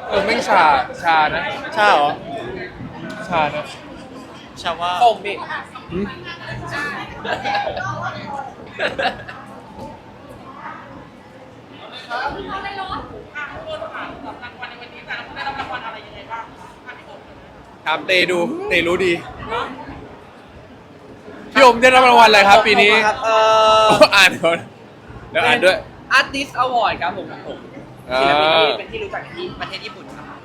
ไม่ชานะใช่เหรอชานะชาว่าส่งดิหืม ครับเตรู้ดีพี่โอมได้รับรางวัลอะไรครับปีนี้ครับอ่านก่อนเดี๋ยวอ่านด้วย Artist Award ครับผมศิลปินที่เป็นที่รู้จักในที่ประเทศญี่ปุ่น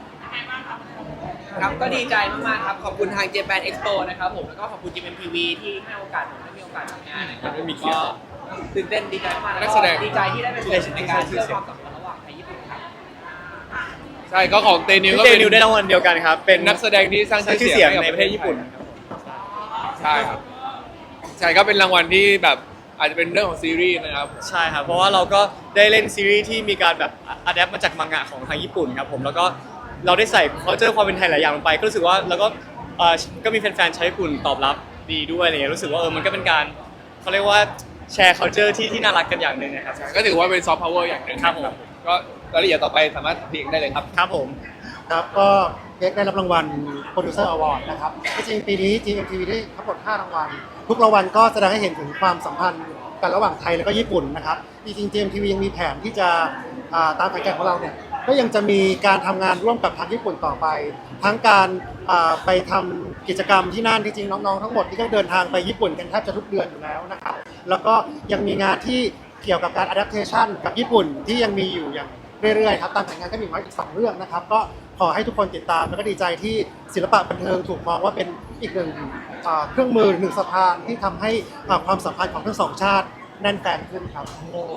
ครับก็ดีใจมากๆครับขอบคุณทาง Japan Expo นะครับผมแล้วก็ขอบคุณ GMMTV ที่ให้โอกาสผมได้มีโอกาสทำงานนะครับก็ตื่นเต้นดีใจมากแล้วก็ดีใจที่ได้เป็นส่วนหนึ่งในการเชื่อมความสัมพันธ์ระหว่างไทยญี่ปุ่นครับใช่ก็ของเตนิวก็เตเป็นนิวได้รางวัลเดียวกันครับเป็นนักแสดงที่สร้างชื่อชื่อเสีเสียยงงในประเทศญี่ปุ่นใช่ครับใช่ก็เป็นรางวัลที่แบบอาจจะเป็นเรื่องของซีรีส์นะครับใช่ครับเพราะว่าเราก็ได้เล่นซีรีส์ที่มีการแบบอัดแอปมาจากมังงะของทางญี่ปุ่นครับผมแล้วก็เราได้ใส่cultureความเป็นไทยหลายอย่างลงไปก็รู้สึกว่าแล้วก็ก็มีแฟนๆชาวญี่ปุ่นตอบรับดีด้วยอะไรเงี้ยรู้สึกว่ามันก็เป็นการเขาเรียกว่าแชร์ culture ที่น่ารักกันอย่างหนึ่งนะครับก็ถือว่าเป็นซอฟต์พาวเวอร์อย่างหนึ่งครับผมก็รายละเอียดต่อไปสามารถพิมพ์ได้เลยครับครับผมครับก็เค้กได้รับรางวัล Producer Award นะครับที่จริงปีนี้ GMTV ได้ทั้งหมด5รางวัลทุกรางวัลก็แสดงให้เห็นถึงความสัมพันธ์กันระหว่างไทยและก็ญี่ปุ่นนะครับจริงๆ GMTV ยังมีแผนที่จะตามแผนการของเราเนี่ยก็ยังจะมีการทำงานร่วมกับทางญี่ปุ่นต่อไป ทั้งการไปทำกิจกรรมที่นั่นที่จริงน้องๆทั้งหมดที่ก็เดินทางไปญี่ปุ่นกันแทบจะทุกเดือนอยู่แล้วนะครับแล้วก็ยังมีงานที่เกี่ยวกับการ adaptation กับญี่ปุ่นที่ยังมีอยู่อย่างเรื่อยๆครับตามแผนงานก็มีไว้อีก2เรื่องนะครับก็ขอให้ทุกคนติดตามแล้วก็ดีใจที่ศิลปะบันเทิงถูกมองว่าเป็นอีกหนึ่งเครื่องมือหนึ่งสะพานที่ทำให้ความสัมพันธ์ของทั้งสองชาติแน่นแฟนขึ้นครับ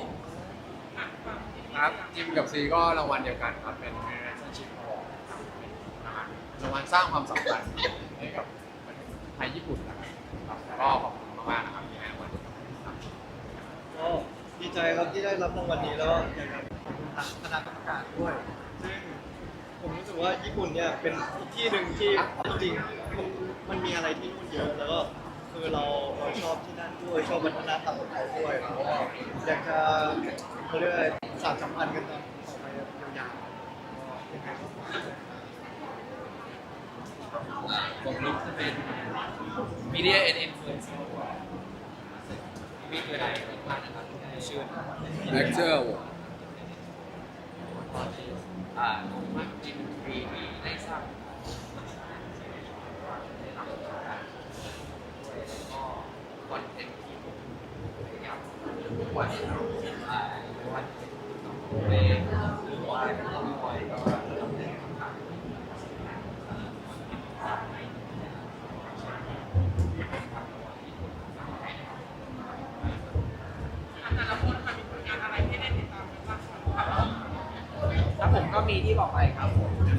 ครับจิมกับซีก็รางวัลเดียวกันครับเป็น Relationship Award ครับรางวัลสร้างความสัมพันธ์ให้กับไทยญี่ปุ่นนะครับก็ขอบคุณมากๆนะครับที่ให้รางวัลครับก็ดีใจครับที่ได้รับรางวัลนี้แล้วอยากจะขอบคุณทางคณะกรรมการด้วย ซึ่งผมรู้สึกว่าญี่ปุ่นเนี่ยเป็นอีกที่หนึ่งที่จริงๆมันมีอะไรที่นู่นเยอะแล้วก็คือเราชอบที่นั่นด้วยชอบวัฒนธรรมของเขาด้วยแล้วก็อยากจะเขาเรียกอะไรสานสัมพันธ์กันต่อไปยาวๆยังไงก็ผมรู้จะเป็น Media and Influence มีอะไรบ้างนะครับชื่อ Lecture มากจินรีที่ได้สร้างก็คอนเทนต์ที่ผมพยายามวันวันเพลงหรือว่าคอยก็แล้วผมก็มีที่บอกไปครับ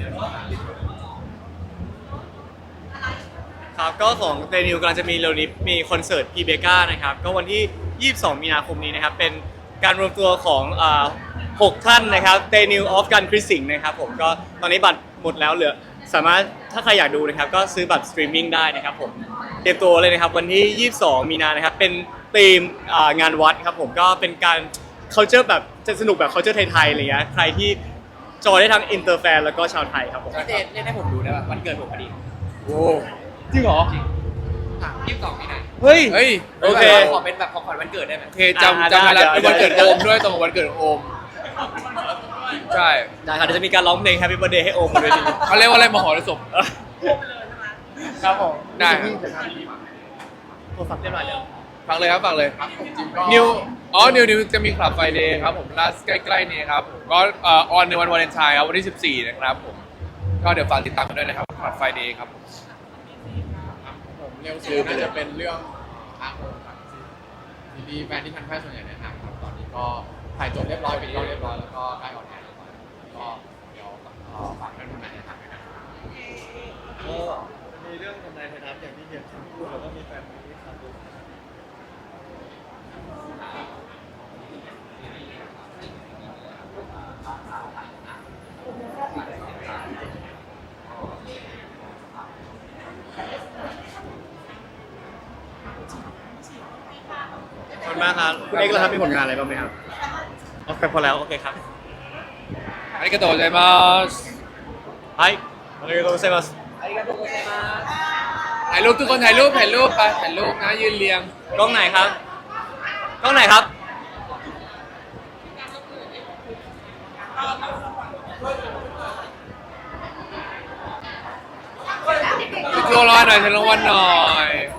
ครับก็ของเตนิวกำลังจะมีเร็วนี้มีคอนเสิร์ตพีเบก้านะครับก็วันที่ 22 มีนาคมนี้นะครับเป็นการรวมตัวของ6 ท่านนะครับเตนิวออฟกันคริสสิงนะครับผมก็ตอนนี้บัตรหมดแล้วเหลือสามารถถ้าใครอยากดูนะครับก็ซื้อบัตรสตรีมมิ่งได้นะครับผมเตรียมตัวเลยนะครับวันที่ 22 มีนานะครับเป็นธีมงานวัดครับผมก็เป็นการ culture แบบจะสนุกแบบ culture ไทยๆอะไรเงี้ยใครที่จอยได้ทั้งอินเตอร์แฟนแล้วก็ชาวไทยครับผมพี่เจเล่นให้ผมดูได้ป่ะวันเกิดผมพอดีโอ้จริงเหรอ 22 มีนาเฮ้ยเฮ้ยโอเคขอเป็นแบบของขวัญวันเกิดได้ไหมโอเคจำเวลาเป็นวันเกิดโอมด้วยตรงกับวันเกิดโอมใช่ได้ครับเดี๋ยวจะมีการร้องเพลง Happy Birthday ให้โอมบนเวทีเขาเรียกว่าอะไรมหรสพครับผมได้ครับโทรศัพท์เรียบร้อยแล้วฟังเลยครับฟังเลยจิมก็นิวจะมีคลับไฟเดย์ครับผมล่าใกล้ๆนี้ครับผมก็ออนในวันวาเลนไทน์ครับวันที่ 14 นะครับผมก็เดี๋ยวฝากติดตามกันด้วยนะครับคลับไฟเดย์ครับผมเร็วสุดน่าจะเป็นเรื่องทางโหดครับทีดีแฟนที่ทันแพทย์ส่วนใหญ่แนะนำครับตอนนี้ก็ถ่ายจบเรียบร้อยเป็นกล้องเรียบร้อยแล้วก็ใกล้ออนแอร์แล้วก็เดี๋ยวฝากเพื่อนๆแนะนำด้วยนะครับก็มีเรื่องทำนายไทยทัพอย่างที่เห็นพูดแล้วก็มีแฟนมีที่ทำด้วยขอบคุณมากครับคุณเอกเราทำมีผลงานอะไรบ้างไหมครับโอเคพอแล้วโอเคครับありがとうございます。 はいありがとうございますありがとうございますถ่ายรูปทุกคนถ่ายรูปไปถ่ายรูปนะยืนเรียงกล้องไหนครับกล้องไหนครับตัวรอหน่อยเชิญรางวัลหน่อย